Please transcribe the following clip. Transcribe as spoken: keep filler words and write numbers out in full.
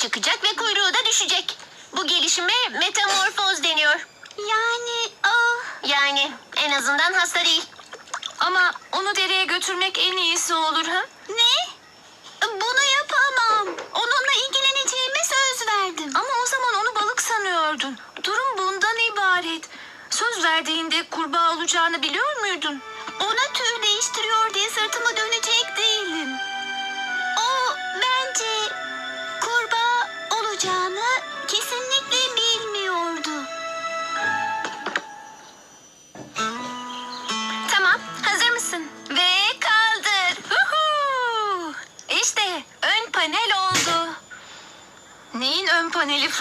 çıkacak ve kuyruğu da düşecek. Bu gelişime metamorfoz deniyor. Yani ah, Yani en azından hasta değil. Ama onu dereye götürmek en iyisi olur ha? ne? Bunu yapamam. Onunla ilgileneceğime söz verdim. Ama o zaman onu balık sanıyordun. Durum bundan ibaret. Söz verdiğinde kurbağa olacağını biliyor muydun? Ona tür değiştiriyor diye sırtımı dönecek değilim. O bence kurbağa olacağını kesinlikle bilmiyordu. Tamam, hazır mısın? Ve kaldır. Huhu! İşte ön panel oldu. Neyin ön paneli?